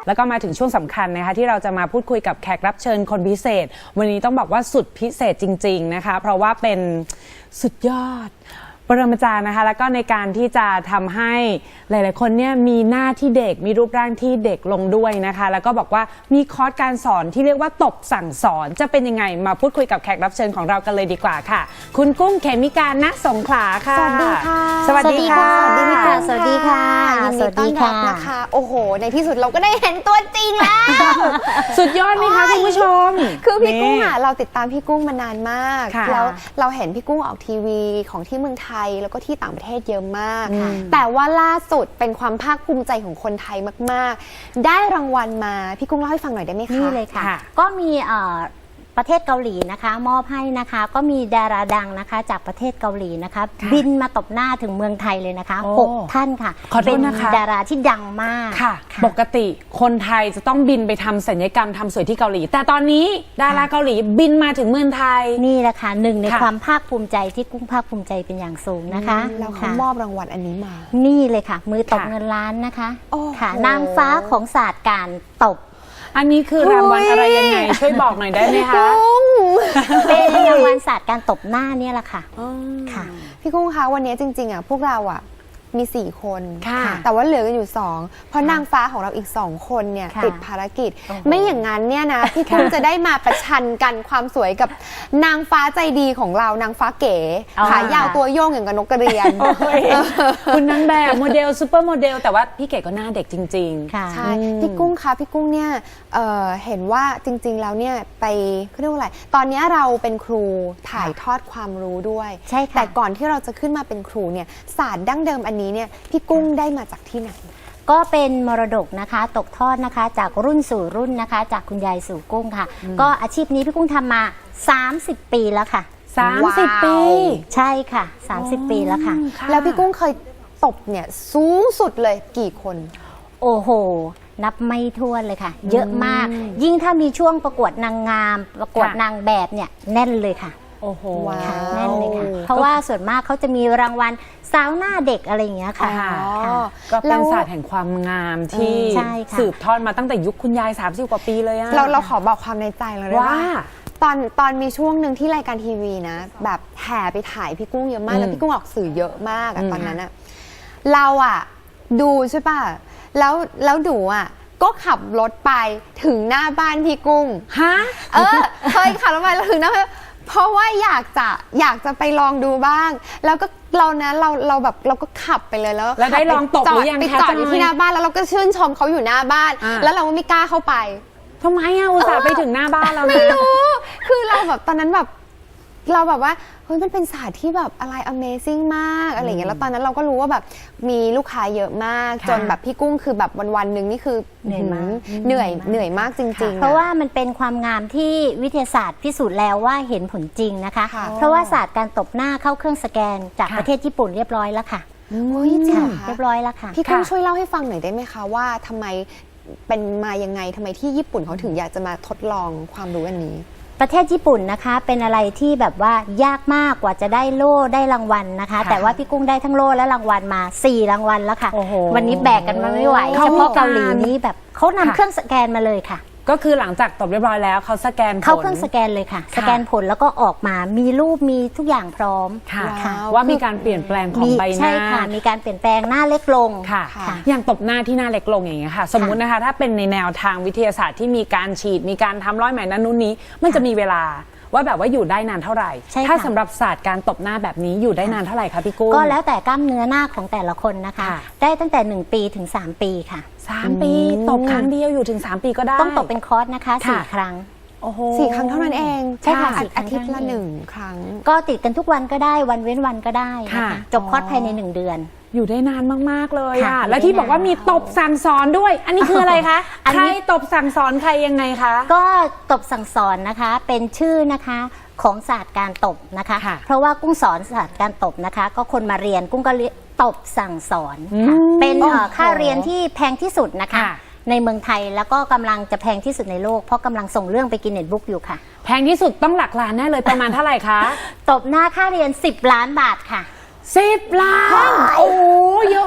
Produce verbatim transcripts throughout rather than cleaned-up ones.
แล้วก็มาถึงช่วงสำคัญนะคะที่เราจะมาพูดคุยกับแขกรับเชิญคนพิเศษวันนี้ต้องบอกว่าสุดพิเศษจริงๆนะคะเพราะว่าเป็นสุดยอดปรมาจารย์นะคะแล้วก็ในการที่จะทำให้หลายๆคนเนี่ยมีหน้าที่เด็กมีรูปร่างที่เด็กลงด้วยนะคะแล้วก็บอกว่ามีคอร์สการสอนที่เรียกว่าตบสั่งสอนจะเป็นยังไงมาพูดคุยกับแขกรับเชิญของเรากันเลยดีกว่าค่ะคุณกุ้งเขมิกา ณ สงขลาค่ะสวัสดีค่ะสวัสดีค่ะสวัสดีค่ะสวัสดีค่ะยินดีต้อนรับนะคะโอ้โหในที่สุดเราก็ได้เห็นตัวจริงแล้วสุดยอดไหมคะคุณผู้ชมคือพี่กุ้งอ่ะเราติดตามพี่กุ้งมานานมากค่ะแล้วเราเห็นพี่กุ้งออกทีวีของที่เมืองไทยแล้วก็ที่ต่างประเทศเยอะมาก แต่ว่าล่าสุดเป็นความภาคภูมิใจของคนไทยมากๆได้รางวัลมาพี่กุ้งเล่าให้ฟังหน่อยได้ไหมคะนี่เลยค่ะ ก็มีประเทศเกาหลีนะคะมอบให้นะคะก็มีดาราดังนะคะจากประเทศเกาหลีนะคะบินมาตบหน้าถึงเมืองไทยเลยนะคะหกท่านค่ะขอโทเป็ษนนะคะดาราที่ดังมากค่ะปกติคนไทยจะต้องบินไปทำศัลยกรรมทำสวยที่เกาหลีแต่ตอนนี้ดาราเกาหลีบินมาถึงเมืองไทยนี่แหละค่ะหนึ่งในค่ะความภาคภูมิใจที่กุ้งภาคภูมิใจเป็นอย่างสูงนะคะแล้วเขาค่ะมอบรางวัลอันนี้มานี่เลยค่ะ มือตบค่ะเงินล้านนะคะโอ้โหค่ะนางฟ้าของศาสตร์การตบอันนี้คือรางวัลอะไรยังไงช่วยบอกหน่อยได้ไหมคะเป็นรางวัลศาสตร์การตบหน้าเนี่ยแหละค่ะค่ะพี่กุ้งคะวันนี้จริงๆอ่ะพวกเราอ่ะมีสี่คนค่ะแต่ว่าเหลือกันอยู่สองเพราะนางฟ้าของเราอีกสองคนเนี่ยค่ะติดภารกิจโอ้โหไม่อย่างนั้นเนี่ยนะพี่กุ้งจะได้มาประชันกันความสวยกับนางฟ้าใจดีของเรานางฟ้าเก๋ขายาวตัวโยงอย่างกับนกกระเรียนโอ้ยคุณนางแบบโมเดลซูเปอร์โมเดลแต่ว่าพี่เก๋ก็หน้าเด็กจริงๆค่ะใช่พี่กุ้งคะพี่กุ้งเนี่ยเอ่อเห็นว่าจริงๆแล้วเนี่ยไปเขาเรียกว่าอะไรตอนนี้เราเป็นครูถ่ายทอดความรู้ด้วยใช่ค่ะแต่ก่อนที่เราจะขึ้นมาเป็นครูเนี่ยศาสตร์ดั้งเดิมอันนี้เนี่ยพี่กุ้งได้มาจากที่ไหนก็เป็นมรดกนะคะตกทอดนะคะจากรุ่นสู่รุ่นนะคะ จากคุณยายสู่กุ้งค่ะ ก็อาชีพนี้พี่กุ้งทำมาสามสิบปีแล้วค่ะสามสิบว้าวปีใช่ค่ะสามสิบปีแล้วค่ะแล้วพี่กุ้งเคยตบเนี่ยสูงสุดเลยกี่คนโอ้โห นับไม่ถ้วนเลยค่ะ เยอะมาก ยิ่งถ้ามีช่วงประกวดนางงาม ประกวดค่ะนางแบบเนี่ยแน่นเลยค่ะโอ้โหว้าวค่ะแน่นเลยค่ะ เพราะว่าส่วนมากเขาจะมีรางวัลสาวหน้าเด็กอะไรอย่างเงี้ยค่ะค่ะค่ะก็แล้เป็นวศาสตร์แห่งความงามที่ใช่ค่ะสืบทอดมาตั้งแต่ยุคคุณยายสามสิบกว่าปีเลยอะเราเราขอบอกความในใจเราได้ว่าตอนตอนมีช่วงหนึ่งที่รายการทีวีนะ แบบแห่ไปถ่ายพี่กุ้งเยอะมาก แล้วพี่กุ้งออกสื่อเยอะมากอะตอนนั้นอะเราอะดูใช่ป่ะแล้วแล้วหนูอะก็ขับรถไปถึงหน้าบ้านพี่กุ้งฮะเออเคยขับรถไปแล้วถึงหน้าบ้านเพราะว่าอยากจะอยากจะไปลองดูบ้าง แล้วก็เรานะเราเราแบบเราก็ขับไปเลยแล้วแล้วได้ลองตบจอหรืดอยังไปคะจอดอยู่จอยที่หน้าบ้านแล้วเราก็ชื่นชมเขาอยู่หน้าบ้านอ่าแล้วเราก็ไม่กล้าเข้าไปทำไมอะอุตส่าห์ไปถึงหน้าบ้านเรานะไม่รู้ คือเราแบบตอนนั้นแบบเราแบบว่าเฮ้ยมันเป็นศาสตร์ที่แบบอะไร Amazing มากอะไรอย่างเงี้ยแล้วตอนนั้นเราก็รู้ว่าแบบมีลูกค้าเยอะมากค่ะจนแบบพี่กุ้งคือแบบวันๆหนึ่งนี่คือเหนื่อยมากเหนื่อยเหนื่อยมากจริงๆเพราะว่ามันเป็นความงามที่วิทยาศาสตร์พิสูจน์แล้วว่าเห็นผลจริงนะคะค่ะเพราะว่าศาสตร์การตบหน้าเข้าเครื่องสแกนจากค่ะประเทศญี่ปุ่นเรียบร้อยแล้วค่ะโอ้ยจริงเหรอคะเรียบร้อยแล้วค่ะพี่กุ้งค่ะช่วยเล่าให้ฟังหน่อยได้ไหมคะว่าทำไมเป็นมายังไงทำไมที่ญี่ปุ่นเขาถึงอยากจะมาทดลองความรู้อันนี้ประเทศญี่ปุ่นนะคะเป็นอะไรที่แบบว่ายากมากกว่าจะได้โล่ได้รางวัลนะคะค่ะแต่ว่าพี่กุ้งได้ทั้งโล่และรางวัลมาสี่รางวัลแล้วค่ะโอ้โหวันนี้แบกกันมาไม่ไหวเขาเฉมีพาะเกาหลีการนี้แบบเขานำค่ะเครื่องสแกนมาเลยค่ะก็คือหลังจากตบเรียบร้อยแล้วเขาสแกนผลเข้าเครื่องสแกนเลยค่ะ สแกนผลแล้วก็ออกมามีรูปมีทุกอย่างพร้อมค่ะว้าวว่ามีการเปลี่ยนแปลงของมีใบหใช่น้าค่ะมีการเปลี่ยนแปลงหน้าเล็กลงค่ะค่ะอย่างตบหน้าที่หน้าเล็กลงอย่างเงี้ยค่ะ สมมุตินะคะถ้าเป็นในแนวทางวิทยาศาสตร์ที่มีการฉีดมีการทำร้อยไหมนั้นนู้นนี้ มันจะมีเวลาว่าแบบว่าอยู่ได้นานเท่าไหร่ใช่ค่ะถ้าสำหรับศาสตร์การตบหน้าแบบนี้อยู่ได้นานเท่าไหร่คะพี่กุ้งก็แล้วแต่กล้ามเนื้อหน้าของแต่ละคนนะคะค่ะได้ตั้งแต่หนึ่งปีถึงสามปีค่ะสามปีตบครั้งเดียวอยู่ถึงสามปีก็ได้ต้องตบเป็นคอร์สนะคะสี่ค่ะครั้งโอ้โหสี่ครั้งเท่านั้นเองใช่ค่ะอาสี่ครั้อาง ทิตย์ละเท่านั้นเองหนึ่งครั้งก็ติดกันทุกวันก็ได้วันเว้นวันก็ได้นะค่ะคะจบคอร์สภายในหนึ่งเดือนอยู่ได้นานมากๆเลยค่ะอะอยู่ได้แล้วที่บอกว่ามีตบสั่งสอนด้วย อันนี้คืออะไรคะอันใครนี้ตบสั่งสอนใครยังไงคะก็ตบสั่งสอนนะคะเป็นชื่อนะคะของศาสตร์การตบนะคะค่ะเพราะว่ากุ้งสอนศาสตร์การตบนะคะ ก็คนมาเรียนกุ้งก็เรียนตบสั่งสอนค่ะอืมเป็นเอ่อโอ้โหค่าเรียนที่แพงที่สุดนะคะค่ะในเมืองไทยแล้วก็กำลังจะแพงที่สุดในโลกเพราะกำลังส่งเรื่องไปกินเน็ตบุ๊กอยู่ค่ะแพงที่สุดต้องหลักล้านแน่เลยประมาณเท่าไหร่คะตบหน้าค่าเรียนสิบล้านบาทค่ะสิบล้าน โอ้เยอะมากคุณ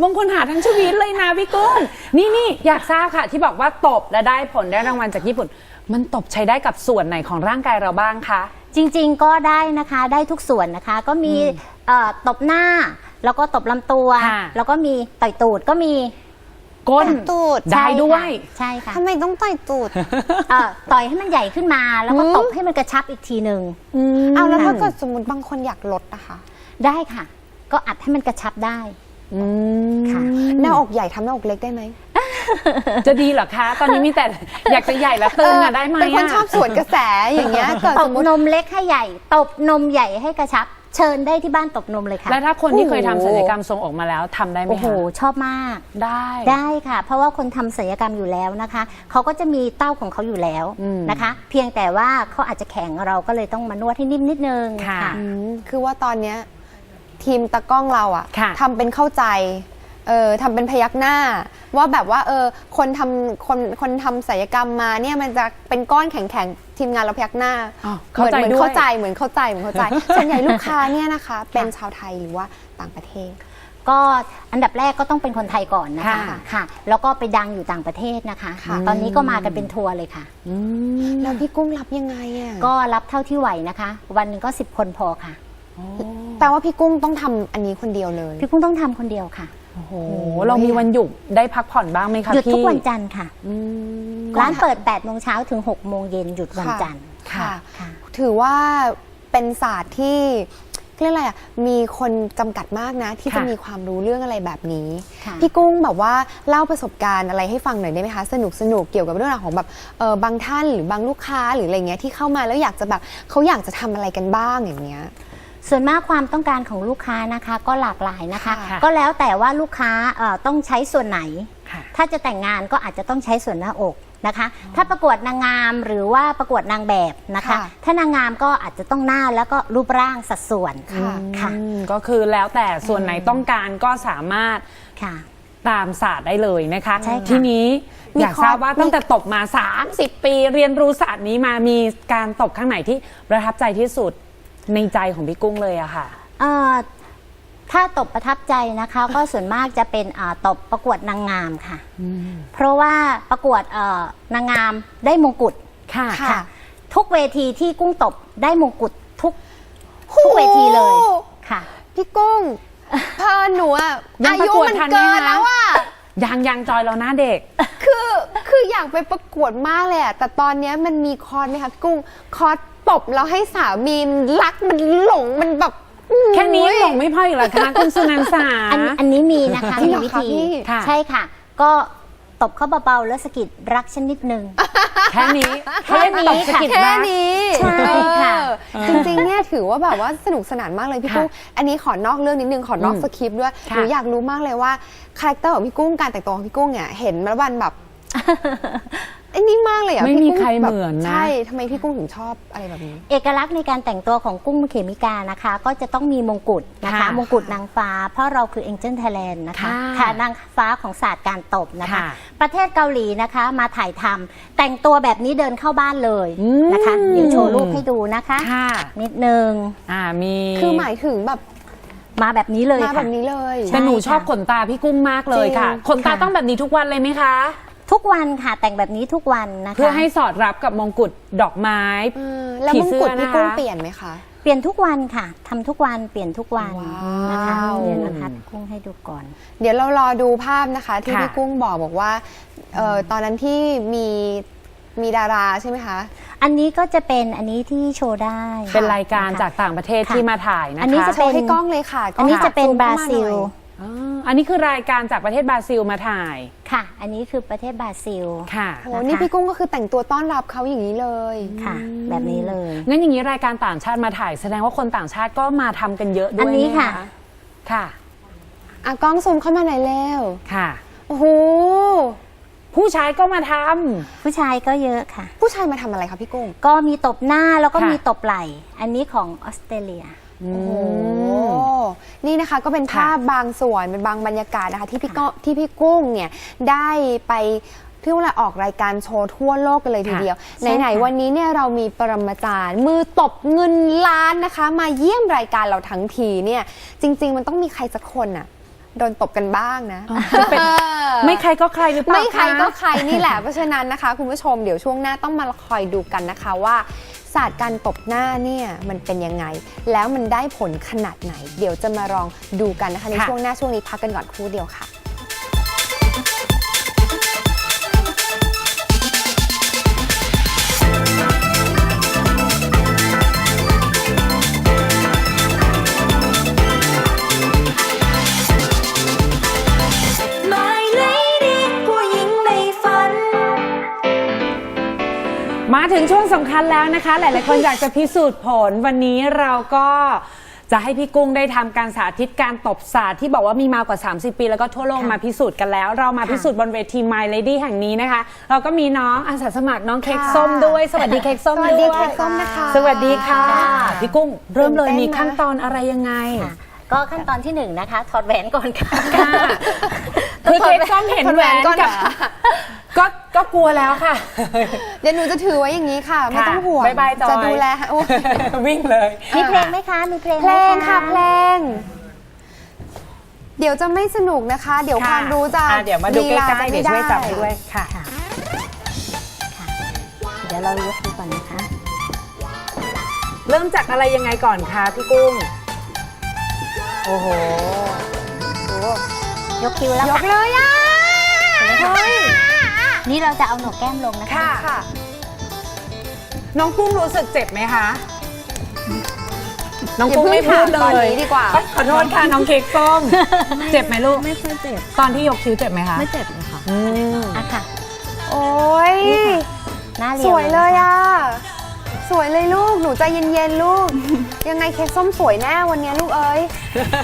บางคนหาทั้งชีวิตเลยนะพี่กุ้งนี่นี่อยากทราบค่ะ ที่บอกว่าตบและได้ผลได้รางวัลจากญี่ปุ่น มันตบใช้ได้กับส่วนไหนของร่างกายเราบ้างคะจริงๆก็ได้นะคะได้ทุกส่วนนะคะก็มีเอ่อตบหน้าแล้วก็ตบลำตัวค่ะแล้วก็มีต่อยตูดก็มีก้นตูดได้ด้วยใช่ค่ะทำไมต้องต่อยตูดเอ่อต่อยให้มันใหญ่ขึ้นมาแล้วก็ตบให้มันกระชับอีกทีหนึ่งเอาแล้วถ้าเกิดสมมติบางคนอยากลดนะคะได้ค่ะ ก็อัดให้มันกระชับได้อืมค่ะหน้าอกใหญ่ทำหน้าอกเล็กได้ไหมจะดีเหรอคะ ตอนนี้มีแต่อยากจะใหญ่และตึงอะได้ไหมเป็นคนอะชอบสวนกระแสอย่างเงี้ยเกิดตสบมมตินมเล็กให้ใหญ่ ตบนมใหญ่ให้กระชับ เชิญได้ที่บ้านตบนมเลยค่ะและถ้าคนที่เคยทำโอ้โหศัลยกรรมทรงอกมาแล้วทำได้ไหมโอ้โหคะชอบมากได้ได้ค่ะ เพราะว่าคนทำศัลยกรรมอยู่แล้วนะคะเขาก็จะมีเต้าของเขาอยู่แล้วอืมนะคะ เพียงแต่ว่าเขาอาจจะแข็งเราก็เลยต้องมานวดให้นิ่มนิดนึงค่ะอืมคือว่าตอนเนี้ยทีมตากล้องเราอะค่ะทำเป็นเข้าใจเออทำเป็นพยักหน้า ว่าแบบว่าเออคนทำคนคนทำศัลยกรรมมาเนี่ยมันจะเป็นก้อนแข็งๆทีมงานเราพยักหน้าอ้าวเหมือนเข้าใจเหมือนด้วยเข้าใจเหมือนเข้าใจเหมือนเข้าใจ ส่วนใหญ่ลูกค้าเนี่ยนะคะ เป็นชาวไทยหรือว่าต่างประเทศก็อันดับแรกก็ต้องเป็นคนไทยก่อนนะคะค่ะค่ะ แล้วก็ไปดังอยู่ต่างประเทศนะคะค่ะตอนนี้ก็มากันเป็นทัวร์เลยค่ะอืมแล้วพี่กุ้งรับยังไงอะก็รับเท่าที่ไหวนะคะ วันหนึงก็สิบคนพอค่ะแปลว่าพี่กุ้งต้องทำอันนี้คนเดียวเลยพี่กุ้งต้องทำคนเดียวค่ะโอ้โหเรามีวันหยุดได้พักผ่อนบ้างไหมคะหยุดพี่ทุกวันจันทร์ค่ะอืมร้านเปิดแปดโมงเช้าถึงหกโมงเย็นหยุดวันจันทร์ค่ะค่ะถือว่าเป็นศาสตร์ที่เรียกอะไรอ่ะมีคนจำกัดมากนะ ที่จะค่ะมีความรู้เรื่องอะไรแบบนี้ค่ะพี่กุ้งแบบว่าเล่าประสบการณ์อะไรให้ฟังหน่อยได้ไหมคะสนุกสนุกเกี่ยวกับเรื่องราวของแบบเออบางท่านหรือบางลูกค้าหรืออะไรเงี้ยที่เข้ามาแล้วอยากจะแบบเขาอยากจะทำอะไรกันบ้างอย่างเงี้ยส่วนมากความต้องการของลูกค้านะคะก็หลากหลายนะคะค่ะก็แล้วแต่ว่าลูกค้าเอ่อต้องใช้ส่วนไหนค่ะถ้าจะแต่งงานก็อาจจะต้องใช้ส่วนหน้าอกนะคะ ถ้าประกวดนางงามหรือว่าประกวดนางแบบนะคะค่ะถ้านางงามก็อาจจะต้องหน้าแล้วก็รูปร่างสัดส่วนค่ะค่ะอืมก็คือแล้วแต่ส่วนไหนต้องการก็สามารถค่ะตามศาสตร์ได้เลยนะคะใช่ค่ะทีนี้มีอยากทราบว่าข้อตั้งแต่ตบมา สามสิบ ปีเรียนรู้ศาสตร์นี้มามีการตบข้างไหนที่ประทับใจที่สุดในใจของพี่กุ้งเลยอะค่ะเอ่อถ้าตบประทับใจนะคะ ก็ส่วนมากจะเป็นอ่าตบประกวดนางงามค่ะ เพราะว่าประกวดเอ่อนางงามได้มงกุฎค่ะค่ะทุกเวทีที่กุ้งตบได้มงกุฎทุกทุกเวทีเลยค่ะพี่กุ้งเพอหนูอะยังอาประยุกวดมันทันไหมเกินคะแล้วอะยังยังจอยเราหน้าเด็กคือคืออยากไปประกวดมากเลยอะแต่ตอนเนี้ยมันมีคอร์สไหมคะพี่กุ้งคอร์สตบแล้วให้สามีมันรักมันหลงมันแบบแค่นี้หลงไม่พออีกเหรอคะคุณสุนันสาอันอันนี้มีนะคะจริงมีเหรอวิคะธีพี่ค่ะใช่ค่ะ ก็ตบเข้าเบาๆแล้วสะกิดรักฉันนิดนึงแค่นี้แค่นี้ตบสะกิดแค่รักนี้ใช่ค่ะเออจริงๆ เนี่ยถือว่าแบบว่าสนุกสนานมากเลยพี่ค่ะกุ้ง อันนี้ขอนอกเรื่องนิดนึง ขอนอกอืมสคริปต์ด้วยหค่ะนูอยากรู้มากเลยว่าคาแรคเตอร์ของพี่กุ้ง การแต่งตัวของพี่กุ้งเนี่ย เห็นแล้ววันแบบไอ้นี่มากเลยอ่ะไม่พี่มีกุ้งใครแบบเหมือนนะใช่ ทำไมพี่กุ้งถึงชอบอะไรแบบนี้เอกลักษณ์ในการแต่งตัวของกุ้งเขมิกานะคะ ก็จะต้องมีมงกุฎนะคะค่ะมงกุฎนางฟ้า เพราะเราคือ Angel Thailand นะคะค่ะค่ะนางฟ้าของศาสตร์การตบนะคะค่ะประเทศเกาหลีนะคะมาถ่ายทำแต่งตัวแบบนี้เดินเข้าบ้านเลยนะคะอืมเดี๋ยวโชว์รูปให้ดูนะคะค่ะนิดนึงอ่ามีคือหมายถึงแบบมาแบบนี้เลยมาค่ะแบบนี้เลยแต่หนูใช่ชอบค่ะขนตาพี่กุ้งมากเลยค่ะจริงขนตาค่ะต้องแบบนี้ทุกวันเลยไหมคะทุกวันค่ะแต่งแบบนี้ทุกวันนะคะเพื่อให้สอดรับกับมงกุฎดอกไม้เออแล้วผีมงเสื้อกุฎพี่กุ้งนะคะเปลี่ยนไหมคะเปลี่ยนทุกวันค่ะทำทุกวันเปลี่ยนทุกวันว้าวนะคะเดี๋ยวนะคะกุ้งให้ดูก่อนเดี๋ยวเรารอดูภาพนะคะ ที่ค่ะพี่กุ้งบอกบอกว่าเอ่อตอนนั้นที่มีมีดาราใช่ไหมคะอันนี้ก็จะเป็นอันนี้ที่โชว์ได้เป็นรายการนะคะจากต่างประเทศค่ะที่มาถ่ายนะคะอันนี้จะโชว์ให้กล้องเลยค่ะกล้อังนนี้จะเป็นซูมบราเข้มซิลหน่อยอ๋ออันนี้คือรายการจากประเทศบราซิลมาถ่ายค่ะ อันนี้คือประเทศบราซิลค่ะโอ้นี่พี่กุ้งก็คือแต่งตัวต้อนรับเขาอย่างนี้เลยค่ะ แบบนี้เลยงั้นอย่างนี้รายการต่างชาติมาถ่าย แสดงว่าคนต่างชาติก็มาทำกันเยอะด้วยอันนี้ไหมค่ะค่ะอ่ะกล้องซูมเข้ามาหน่อยเร็วค่ะโอ้โหผู้ชายก็มาทำผู้ชายก็เยอะค่ะผู้ชายมาทำอะไรคะพี่กุ้งก็มีตบหน้าแล้วก็ค่ะมีตบไหล่ อันนี้ของออสเตรเลียโอ้โอ้นี่นะคะก็เป็นภาพบางส่วนเป็นบางบรรยากาศนะคะ ที่พี่ก้องที่พี่กุ้งเนี่ยได้ไปที่ว่าออกรายการโชว์ทั่วโลกกันเลยทีเดียวใช่ไหนค่ะๆวันนี้เนี่ยเรามีปรมาจารย์ มือตบเงินล้านนะคะ มาเยี่ยมรายการเราทั้งทีเนี่ยจริง ๆ มันต้องมีใครสักคนอะโดนตบกันบ้างนะจะเป็นไม่ใครก็ใครหรือเปล่าไม่ใครก็ะใครนี่แหละ เพราะฉะนั้นนะคะคุณผู้ชมเดี๋ยวช่วงหน้าต้องมาคอยดูกันนะคะว่าศาสตร์การตบหน้าเนี่ยมันเป็นยังไง แล้วมันได้ผลขนาดไหน เดี๋ยวจะมาลองดูกันนะคะในค่ะช่วงหน้าช่วงนี้พักกันก่อนครู่เดียวค่ะ My Lady ผู้หญิงในฝันมาถึงช่วงสำคัญแล้วนะคะ หลายๆคนอยากจะพิสูจน์ผลวันนี้เราก็จะให้พี่กุ้งได้ทำการสาธิตการตบศาสตร์ที่บอกว่ามีมากว่าสามสิบปีแล้วก็ทั่วโลกมาพิสูจน์กันแล้ว เรามาพิสูจน์บนเวที My Lady แห่งนี้นะคะ เราก็มีน้องอาสาสมัครน้องเค้กส้มด้วย สวัสดีเค้กส้มสวัสดีด้วยเค้กส้มนะคะสวัสดีค่ะ พี่กุ้งเริ่มเลยตื่นเต้นมีนะขั้นตอนอะไรยังไงค่ะก็ขั้นตอนที่หนึ่งนะคะถอดแหวนก่อนค่ะค่ะคือเค้กส้มเห็นแหวนก่อนกับเหรอก็ก็กลัวแล้วค่ะเดี๋ยวหนูจะถือไว้อย่างนี้ค่ะ ไม่ต้องห่วงบ๊ายบายจอยจะดูแลให้โอ้ยวิ่งเลยมีเพลงไหมคะ มีเพลงเพไหมลงค่ะเพลง เดี๋ยวจะไม่สนุกนะคะ เดี๋ยวความรู้จะอ่ะเดี๋ยวมาดูใกล้ๆลีเดี๋ยวจะช่วยจับให้ด้วยค่ะค่ะค่ะ เดี๋ยวเรายกดูก่อนนะคะเริ่มจากอะไรยังไงก่อนคะพี่กุ้ง โอ้โหยกคิ้วแล้วยกค่ะเลยอ่ะเฮ้ยนี่เราจะเอาหนกแก้มลงนะคะค่ะค่ะน้องกุ้งรู้สึกเจ็บไหมคะ น้องอย่ากุ้งเพิ่งไม่พูดเลถามตอนยนี้ดีกว่าขอโทษค่ะน้องเค้กส้ม เจ็บไหมลูกไม่ค่อยเจ็บตอนที่ยกคิ้วเจ็บไหมคะไม่เจ็บเลยค่ะอืมอ่ะค่ะโอ้ยหน้าเรียวสวยเลยนะคะอ่ะ สวยเลยลูก หนูใจเย็นๆลูก ยังไงเค้กส้มสวยแน่วันนี้ลูกเอ้ย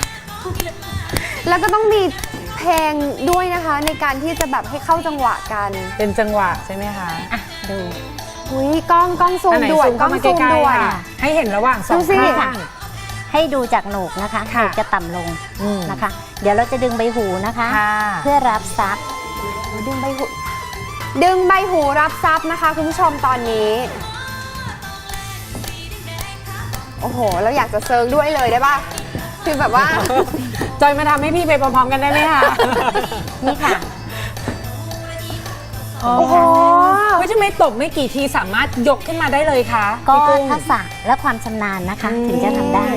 แล้วก็ต้องมีเพลงด้วยนะคะ ในการที่จะแบบให้เข้าจังหวะกันเป็นจังหวะใช่ไหมคะอ่ะดูอุ้ยกล้องกล้องซูมอันไหนด่วนซูมกล้เข้าองมาซูมใกล้ด่วนๆค่ะ ให้เห็นระหว่างสองดูสิข้างให้ดูจากโหนกนะคะโหนค่ะกจะต่ำลงอืมนะคะ เดี๋ยวเราจะดึงใบหูนะคะค่ะเพื่อรับซับดึงใบหู ดึงใบหูรับทรัพย์นะคะคุณผู้ชมตอนนี้ โอ้โห เราอยากจะเซิร์งด้วยเลยได้ป่ะ คือแบบว่าจอยมาทำให้พี่ไปพร้อมๆกันได้ไหมคะนี่ค่ะโอ้โหไม่ใช่ไม่ตบไม่กี่ทีสามารถยกขึ้นมาได้เลยคะก็พี่กุ้งทักษะและความชำนาญนะคะ ถึงจะทำได้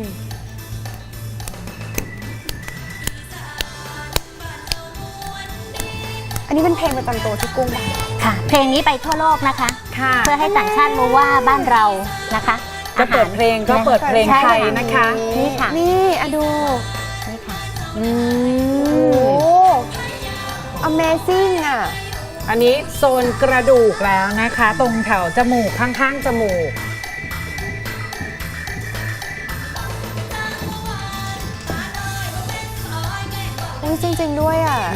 อันนี้เป็นเพลงประจำตัวที่กุ้งป่ะค่ะ เพลงนี้ไปทั่วโลกนะคะค่ะเพื่อให้ต่างชาติรู้ว่าบ้านเรานะคะจะเปิดเพลงก็เปิดเพลงไทยนะคะนี่ค่ะนี่อะดูนี่ค่ะอืโอ้ม Amazing อ่ะอันนี้โซนกระดูกแล้วนะคะ ตรงแถวจมูกข้างๆจมูกอุ้ยจริง ๆ ด้วยอ่ะ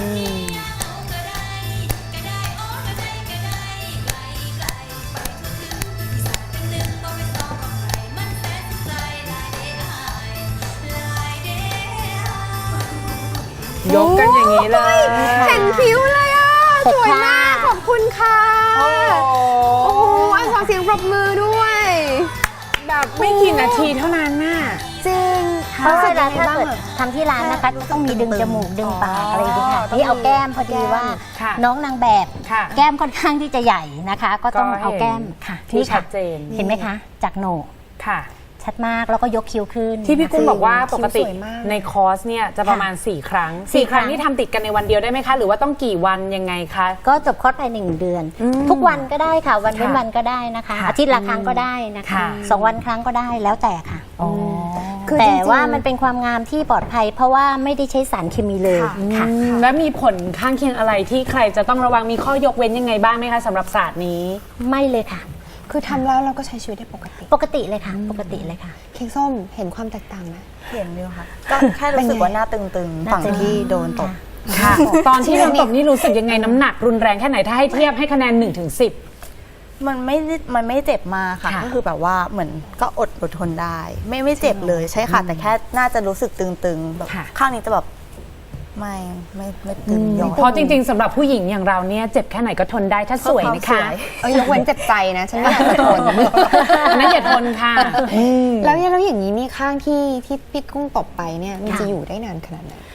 ยกกันอย่างนี้เลยเห็นคิ้วเลยอ่ะเสร็จสวยมากค่ะขอบคุณค่ะโอ้โอ้โหอันขอเสียงปรบมือด้วยแบบไม่กี่นาทีเท่านั้นน่ะจริงเพราะเวลารู้สึกถ้ายังไงบ้างเกิดอะทำที่ร้านนะคะต้องมีดึงจมูกดึงปากอะไรอย่างเงี้ยค่ะต้องมีนี่เอาแก้มพอดีว่าค่ะน้องนางแบบค่ะแก้มค่อนข้างที่จะใหญ่นะคะ ก็ต้องก็เห็นเอาแก้มค่ะที่นี่ชัค่ะดเจนเห็นไหมคะ จากโหนกค่ะชัดมากแล้วก็ยกคิ้วขึ้นที่พี่กุ้งบอกว่าปกติคิ้วสวยมากในคอร์สเนี่ยจะประมาณ สี่ ครั้งสี่สี่ ครั้งครั้งนี่ทำติดกันในวันเดียวได้ไหมคะ หรือว่าต้องกี่วันยังไงคะก็จบคอร์สภายในหนึ่งเดือนอืมทุกวันก็ได้ค่ะ วันเว้นค่ะวันก็ได้นะคะค่ะอาทิตย์ละครั้งก็ได้นะคะค่ะสองวันครั้งก็ได้แล้วแต่ค่ะอ๋อคือจแต่ริงๆว่ามันเป็นความงามที่ปลอดภัย เพราะว่าไม่ได้ใช้สารเคมีเลยค่ะค่ะอืมแล้วมีผลข้างเคียงอะไรที่ใครจะต้องระวังมีข้อยกเว้นยังไงบ้างไหมคะสำหรับศาสตร์นี้ไม่เลยค่ะคือทำแล้วเราก็ใช้ชีวิตได้ปกติปกติเลยค่ะ ปกติเลยค่ะเค้กส้มเห็นความแตกต่างไหมเห็นอยู่ค่ะ ก็แค่รู้สึกว่าหน้าตึงๆ ฝั่งที่โดนตบค่ะ ตอนที่โดนตบนี่รู้สึกยังไงน้ำหนักรุนแรงแค่ไหนถ้าให้เทียบให้คะแนนหนึ่งถึงสิบมันไม่ได้มันไม่เจ็บมากค่ะค่ะก็คือแบบว่าเหมือนก็อดอดทนได้ ไม่ไม่เจ็บเลยใช่ค่ะ แต่แค่น่าจะรู้สึกตึงๆ แบบค่ะข้างนี้จะแบบไม่ไม่ไม่ตึงย้อนเพราะจริงๆสำหรับผู้หญิงอย่างเราเนี่ยเจ็บแค่ไหนก็ทนได้ถ้าสวยนะคะเอ้ยยกเว้นเจ็บใจนะ ฉันไม่อยากจะทนอันนั้นอย่าทนค่ะแล้วแล้วอย่างนี้นี่ข้างที่ที่พี่กุ้งตบไปเนี่ยมันค่ะจะอยู่ได้นานขนาดไหนค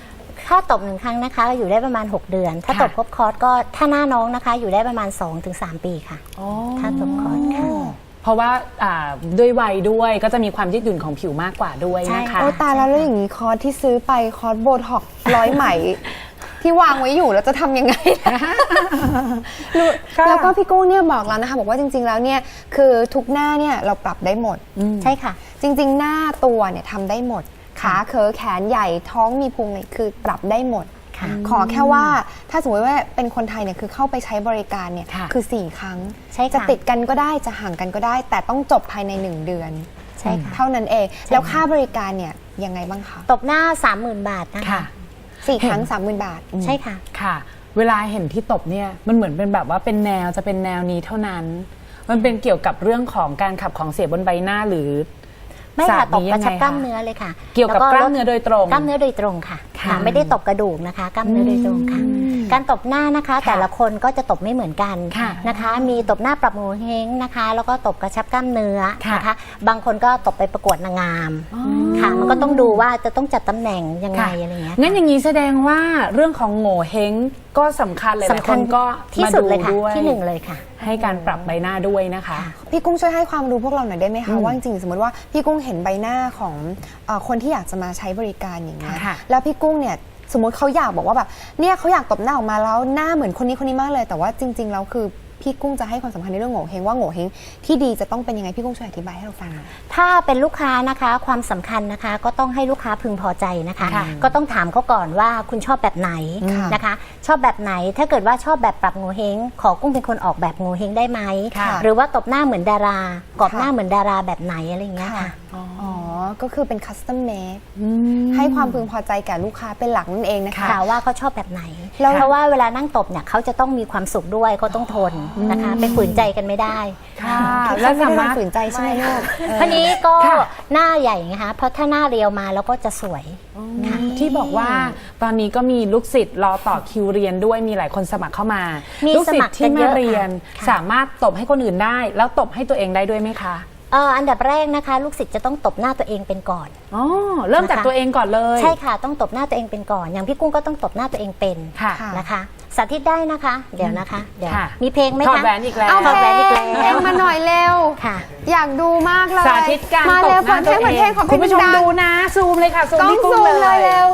ถ้าตบหนึ่งครั้งนะคะอยู่ได้ประมาณ หก เดือน ถ้าค่ะตบครบคอร์สก็ถ้าหน้าน้องนะคะอยู่ได้ประมาณ สองถึงสาม ปีค่ะ ถ้าตบคอร์สค่ะเพราะว่าอ่าด้วยวัยด้วยก็จะมีความยืดหยุ่นของผิวมากกว่าด้วยใช่นะคะโอ้ตายแล้วแล้วอย่างนี้คอร์สที่ซื้อไปคอร์สโบท็อกซ์ร้อยไหม ที่วางไว้อยู่แล้วจะทำยังไงนะรู้ค่ะแล้วก็พี่กุ้งเนี่ยบอกแล้วนะคะบอกว่าจริงๆแล้วเนี่ยคือทุกหน้าเนี่ยเราปรับได้หมดใช่ค่ะจริงๆ หน้าตัวเนี่ยทำได้หมด ขาเขอแขนใหญ่ท้องมีพุงเนี่ยคือปรับได้หมดค่ะขอแค่ว่าถ้าสมมติว่าเป็นคนไทยเนี่ยคือเข้าไปใช้บริการเนี่ยค่ะคือสี่ครั้งใช่ค่ะจะติดกันก็ได้จะห่างกันก็ได้ แต่ต้องจบภายในหนึ่งเดือนใช่ค่ะเท่านั้นเอง แล้วค่าบริการเนี่ยยังไงบ้างคะตบหน้า สามหมื่น บาทนะคะค่ะสี่ครั้งสามหมื่นบาทใช่ค่ะค่ะ เวลาเห็นที่ตบเนี่ยมันเหมือนเป็นแบบว่าเป็นแนวจะเป็นแนวนี้เท่านั้น มันเป็นเกี่ยวกับเรื่องของการขับของเสียบนใบหน้าหรือไม่ค่ะศาสตร์ตบนี้กยัระงไงชับกล้ามคะเนื้อเลยค่ะเกี่ยวกับแล้กล้ามเนื้อโดยตรงกล้ามเนื้อโดยตรงค่ะค่ะค่ะ ไม่ได้ตบกระดูกนะคะ กล้ามเนื้อโดยตรงค่ะ การตบหน้านะคะ แต่ละคนก็จะตบไม่เหมือนกันค่ะนะคะ มีตบหน้าปรับโงเฮงนะคะ แล้วก็ตบกระชับกล้ามเนื้อค่ะนะคะ บางคนก็ตบไปประกวดนางงามค่ะ มันก็ต้องดูว่าจะต้องจัดตำแหน่งยังไงค่ะอะไรอย่างเงี้ยงั้นอย่างนี้แสดงว่าเรื่องของโง่เฮงก็สำคัญเลยหลายสำคคัญนก็ที่สุดเลยค่ะมาด้วยที่หนึ่งเลยค่ะให้การปรับใบหน้าด้วยนะคะพี่กุ้งช่วยให้ความรู้พวกเราหน่อยได้ไหมคะว่าจริงๆสมมติว่าพี่กุ้งเห็นใบหน้าของเอ่อคนที่อยากจะมาใช้บริการอย่างเงี้ยค่ะแล้วพี่กุ้งเนี่ยสมมติเขาอยากบอกว่าแบบเนี่ยเขาอยากตบหน้าออกมาแล้วหน้าเหมือนคนนี้คนนี้มากเลย แต่ว่าจริง ๆแล้วคือพี่กุ้งจะให้ความสำคัญในเรื่องโง่เฮงว่าโง่เฮงที่ดีจะต้องเป็นยังไงพี่กุ้งช่วยอธิบายให้เราฟังหน่อยถ้าเป็นลูกค้านะคะความสำคัญนะคะก็ต้องให้ลูกค้าพึงพอใจนะคะค่ะก็ต้องถามเขาก่อนว่าคุณชอบแบบไหนค่ะนะคะ ชอบแบบไหนถ้าเกิดว่าชอบแบบปรับโงเฮงขอกุ้งเป็นคนออกแบบโงเฮงได้ไหมค่ะหรือว่าตบหน้าเหมือนดารากรอบค่ะหน้าเหมือนดาราแบบไหนอะไรอย่างเงี้ยค่ะอ๋อ ก็คือเป็นคัสตอมเมดให้ความพึงพอใจแก่ลูกค้าเป็นหลักนั่นเองนะคะค่ะว่าเขาชอบแบบไหนแล้วเพราะว่าเวลานั่งตบเนี่ยเขาจะต้องมีความสุขด้วยเขาต้องทนนะคะไปฝืนใจกันไม่ได้ค่ะแล้แล้ว วสาสามาร รถถฝืนใจใช่ไหมลูกทีนี้ก็ค่ะหน้าใหญ่ไงคะเพราะถ้าหน้าเรียวมาแล้วก็จะสวยค่ะที่บอกว่าตอนนี้ก็มีลูกศิษย์รอต่อคิวเรียนด้วยมีหลายคนสมัครเข้ามามีลูกศิษย์ที่สมัครกันเยมาอะเรียนค่ะสามารถตบให้คนอื่นได้ แล้วตบให้ตัวเองได้ด้วยไหมคะเอ่ออันดับแรกนะคะ ลูกศิษย์จะต้องตบหน้าตัวเองเป็นก่อนอ๋อเริ่มจากนะคะตัวเองก่อนเลยใช่ค่ะต้องตบหน้าตัวเองเป็นก่อน อย่างพี่กุ้งก็ต้องตบหน้าตัวเองเป็นค่ะนะคะสาธิตได้นะคะ เดี๋ยวนะคะเดี๋ยวค่ะมีเพลงไหมถอดคะแหวนอีกแล้วเอาถอดแหวนอีกแล้วเพลงมาหน่อยเร็วค่ะอยากดูมากเลยสาธิตการมาตบเร็วหเปิน้าดเพตัลวงเปิดเอเพลงงขอเพลคุณงผู้ชมดังดูนะ ซูมเลยค่ะซูมต้องที่กุ้ซูงมเลเลยยเร็ว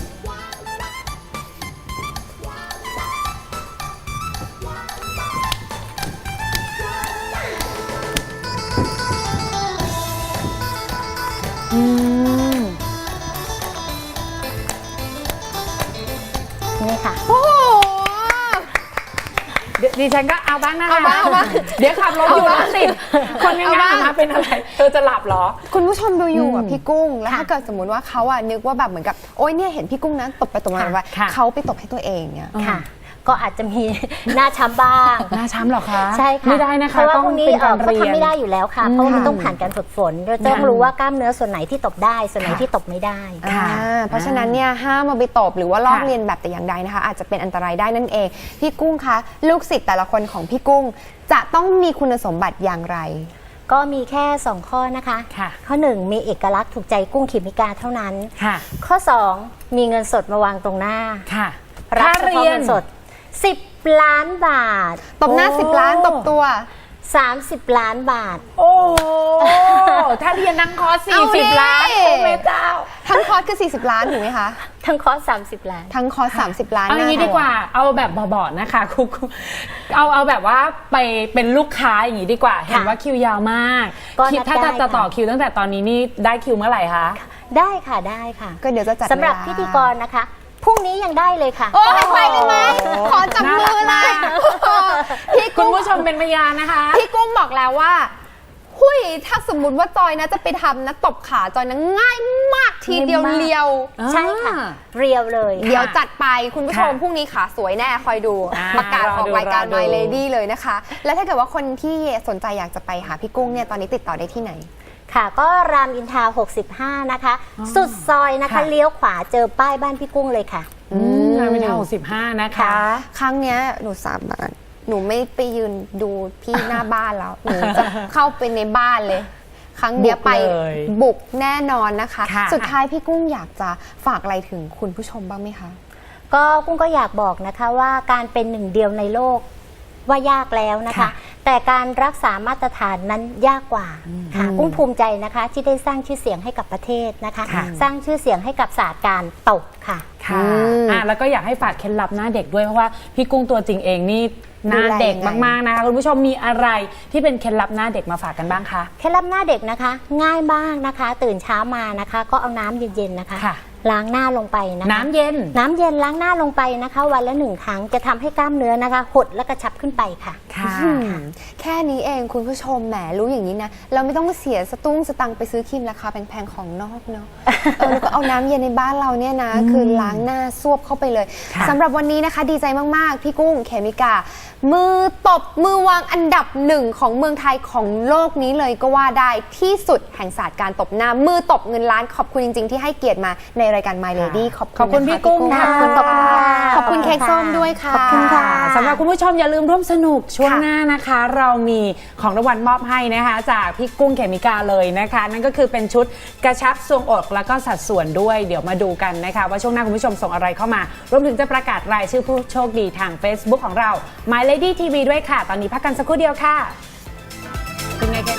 นี่ค่ะโอ้โหเดี๋ยวดิฉันก็เอาบ้างนะคะเอาบ้างเอาบ้างเดี๋ยวขับรถอยู่รถติดคนยังเอาไงบ้างนะเป็นอะไร เธอจะหลับเหรอคุณผู้ชมดูอยู่อ่ะพี่กุ้ง แล้วค่ะถ้าเกิดสมมติว่าเขาอ่ะนึกว่าแบบเหมือนกับโอ๊ยเนี่ยเห็นพี่กุ้งนะตบไปตบมาค่ะไปค่ะเขาไปตบให้ตัวเองเนี่ยค่ะ ก็อาจจะมี หน้าช้ำบ้างหน้าช้ำเหรอคะใช่ค่ะไม่ได้นะคะเพราะว่าต้องพวกนี้เป็นเอ่กาอรเขาเรียนทำไม่ได้อยู่แล้วค่ะ เพราะว่ามันต้องผ่านการฝึกฝนเราต้องค่ะรู้ว่ากล้ามเนื้อส่วนไหนที่ตบได้ ส่วนไหนค่ะที่ตบไม่ได้ค่ะอ่าเพราะฉะนั้นเนี่ยห้ามมาไปตบหรือว่าลอกค่ะเรียนแบบแต่อย่างใดนะคะ อาจจะเป็นอันตรายได้นั่นเอง พี่กุ้งคะลูกศิษย์แต่ละคนของพี่กุ้ง จะต้องมีคุณสมบัติอย่างไรก็มีแค่สองข้อนะคะค่ะข้อหนึ่งมีเอกลักษณ์ถูกใจกุ้งขิมิกาเท่านั้นค่ะข้อสองมีเงินสดมาวางตรงหน้าค่ะรับค่าเฉเรีพาะยนเงินสดสิบล้านบาทตบหน้าโอ้สิบล้านตบตัวสามสิบล้านบาทโอ้โหถ้าเรียนนั่งคอร์สสี่เอาดิสิบล้านโอ้แม่เจ้าทั้งคอร์สคือสี่สิบล้านถูกไหมคะทั้งคอร์สสามสิบล้านทั้งคอร์สสามสิบล้านเอาอย่างนี้หน้ดีกว่า เอาแบบเบาๆนะคะครูเอาเอาแบบว่าไปเป็นลูกค้าอย่างนี้ดีกว่า เห็นว่าคิวยาวมากก็คิดนัดถ้าได้จะจะค่ะต่อคิวตั้งแต่ตอนนี้นี่ได้คิวเมื่อไหร่คะได้ค่ะได้ค่ะก็เดี๋ยวจะจัดสำหรับเวลาพิธีกรนะคะพรุ่งนี้ยังได้เลยค่ะโอ้ยไปเลยไหมขอจับมือเลยพี่คุณกุ้งผู้ชมเป็นพยานนะคะพี่กุ้งบอกแล้วว่าหุยถ้าสมมติว่าจอยนะจะไปทำนะตบขาจอยนะง่ายมากทีเดียวง่ายมากเลียวใช่ค่ะ เรียวเลยเดี๋ยวจัดไปคุณผู้ชมค่ะพรุ่งนี้ขาสวยแน่คอยดูอ่าประกาศรอของดูรายการรอดู My Lady เลยนะคะ แล้วถ้าเกิดว่าคนที่สนใจอยากจะไปหาพี่กุ้งเนี่ยตอนนี้ติดต่อได้ที่ไหนค่ะ ก็รามอินทราหกสิบห้านะคะ สุดซอยนะคะค่ะเลี้ยวขวาเจอป้ายบ้านพี่กุ้งเลยค่ะอืมงานวิทยาหกสิบห้านะคะครั้งเนี้ยหนูสามารถหนูไม่ไปยืนดูที่หน้าบ้านแล้ว หนูจะเข้าไปในบ้านเลย ครั้งเนี้ยไปบุกเลยบุกแน่นอนนะคะค่ะสุดท้ายพี่กุ้งอยากจะฝากอะไรถึงคุณผู้ชมบ้างไหมคะก็กุ้งก็อยากบอกนะคะว่าการเป็นหนึ่งเดียวในโลกว่ายากแล้วนะคะค่ะแต่การรักษามาตรฐานนั้นยากกว่าค่ะกุ้งภูมิใจนะคะที่ได้สร้างชื่อเสียงให้กับประเทศนะคะค่ะสร้างชื่อเสียงให้กับศาสตร์การตบค่ะค่ะอ่ะแล้วก็อยากให้ฝากเคล็ดลับหน้าเด็กด้วยเพราะว่าพี่กุ้งตัวจริงเองนี่หน้าเด็กมากๆนะคะคุณผู้ชมมีอะไรที่เป็นเคล็ดลับหน้าเด็กมาฝากกันบ้างคะเคล็ดลับหน้าเด็กนะคะ ง่ายมากนะคะ ตื่นเช้ามานะคะ ก็เอาน้ำเย็นๆนะคะค่ะล้างหน้าลงไปนะคะน้ำเย็นน้ำเย็นล้างหน้าลงไปนะคะ วันละหนึ่งครั้งจะทำให้กล้ามเนื้อนะคะ หดและกระชับขึ้นไปค่ะค่ะอืมแค่นี้เองคุณผู้ชมแหมรู้อย่างนี้นะ เราไม่ต้องเสียสตุ้งสตังค์ไปซื้อครีมราคาแพงๆของนอกเนาะเออแล้วก็เอาน้ำเย็นในบ้านเราเนี่ยนะ คือล้างหน้าซวบเข้าไปเลยค่ะสำหรับวันนี้นะคะดีใจมากๆ พี่กุ้งเขมิกา มือตบมือวางอันดับหนึ่งของเมืองไทยของโลกนี้เลยก็ว่าได้ที่สุดแห่งศาสตร์การตบหน้า มือตบเงินล้านขอบคุณจริงๆ ที่ให้เกียรติมาในรายการ My Lady ขอบคุณขอบคุณนะะพี่กุ้งขอบคุณขอบคุณค่ะขอบคุณเค้กส้มด้วยค่ะขอบคุณค่ะสำหรับคุณผู้ชมอย่าลืมร่วมสนุกช่วงค่ะหน้านะคะ เรามีของรางวัลมอบให้นะคะ จากพี่กุ้งเขมิกาเลยนะคะ นั่นก็คือเป็นชุดกระชับทรวงอกแล้วก็สัดส่วนด้วยเดี๋ยวมาดูกันนะคะ ว่าช่วงหน้าคุณผู้ชมส่งอะไรเข้ามารวมถึงจะประกาศรายชื่อผู้โชคดีทาง Facebook ของเรา My Lady ที วี ด้วยค่ะ ตอนนี้พักกันสักครู่เดียวค่ะเป็นไงคะ